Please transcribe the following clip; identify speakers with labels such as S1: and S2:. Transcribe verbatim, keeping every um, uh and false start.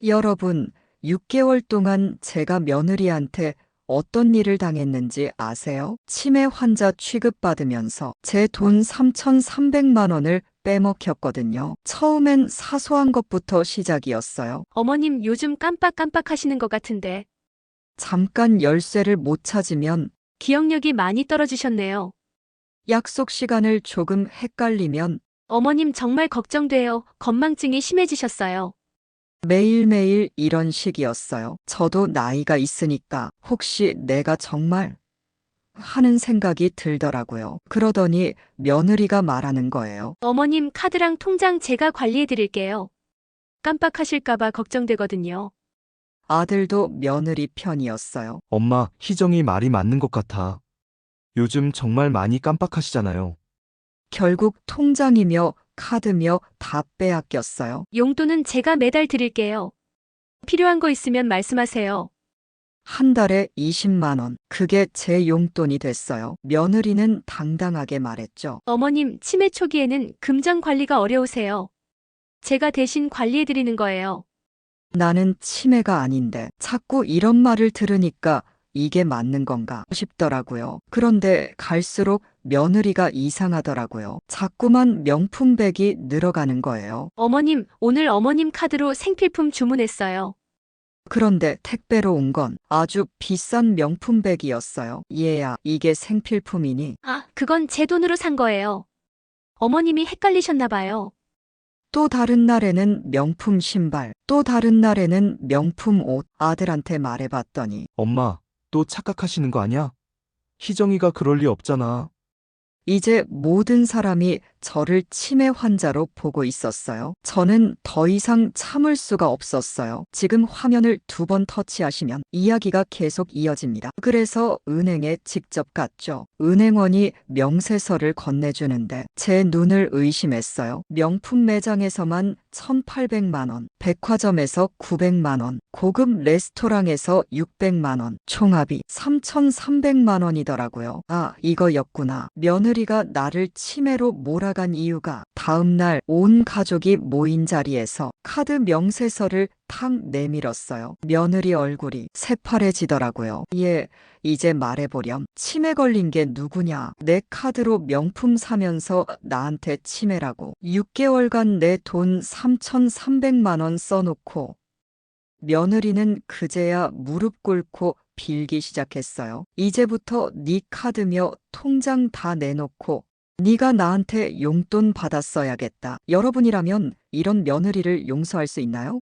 S1: 여러분, 육 개월 동안 제가 며느리한테 어떤 일을 당했는지 아세요? 치매 환자 취급받으면서 제 돈 삼천삼백만 원을 빼먹혔거든요. 처음엔 사소한 것부터 시작이었어요.
S2: 어머님 요즘 깜빡깜빡 하시는 것 같은데
S1: 잠깐 열쇠를 못 찾으면,
S2: 기억력이 많이 떨어지셨네요.
S1: 약속 시간을 조금 헷갈리면,
S2: 어머님 정말 걱정돼요. 건망증이 심해지셨어요.
S1: 매일매일 이런 식이었어요. 저도 나이가 있으니까 혹시 내가 정말 하는 생각이 들더라고요. 그러더니 며느리가 말하는 거예요.
S2: 어머님 카드랑 통장 제가 관리해 드릴게요. 깜빡하실까봐 걱정되거든요.
S1: 아들도 며느리 편이었어요.
S3: 엄마, 희정이 말이 맞는 것 같아. 요즘 정말 많이 깜빡하시잖아요.
S1: 결국 통장이며 카드며 다 빼앗겼어요.
S2: 용돈은 제가 매달 드릴게요. 필요한 거 있으면 말씀하세요.
S1: 한 달에 이십만 원. 그게 제 용돈이 됐어요. 며느리는 당당하게 말했죠.
S2: 어머님 치매 초기에는 금전 관리가 어려우세요. 제가 대신 관리해 드리는 거예요.
S1: 나는 치매가 아닌데 자꾸 이런 말을 들으니까 이게 맞는 건가 싶더라고요. 그런데 갈수록 며느리가 이상하더라고요. 자꾸만 명품백이 늘어가는 거예요.
S2: 어머님, 오늘 어머님 카드로 생필품 주문했어요.
S1: 그런데 택배로 온 건 아주 비싼 명품백이었어요. 얘야, 이게 생필품이니?
S2: 아, 그건 제 돈으로 산 거예요. 어머님이 헷갈리셨나 봐요.
S1: 또 다른 날에는 명품 신발, 또 다른 날에는 명품 옷. 아들한테 말해봤더니
S3: 엄마, 또 착각하시는 거 아니야? 희정이가 그럴 리 없잖아.
S1: 이제 모든 사람이 저를 치매 환자로 보고 있었어요. 저는 더 이상 참을 수가 없었어요. 지금 화면을 두 번 터치하시면 이야기가 계속 이어집니다. 그래서 은행에 직접 갔죠. 은행원이 명세서를 건네주는데 제 눈을 의심했어요. 명품 매장에서만 천팔백만 원, 백화점에서 구백만 원, 고급 레스토랑에서 육백만 원, 총합이 삼천삼백만 원이더라고요. 아, 이거였구나. 며느리가 나를 치매로 몰아간 이유가 다음날 온 가족이 모인 자리에서 카드 명세서를 탁 내밀었어요. 며느리 얼굴이 새파래지더라고요. 예, 이제 말해보렴. 치매 걸린 게 누구냐? 내 카드로 명품 사면서 나한테 치매라고. 육 개월간 내 돈 삼천삼백만 원 써놓고. 며느리는 그제야 무릎 꿇고 빌기 시작했어요. 이제부터 네 카드며 통장 다 내놓고 네가 나한테 용돈 받았어야겠다. 여러분이라면 이런 며느리를 용서할 수 있나요?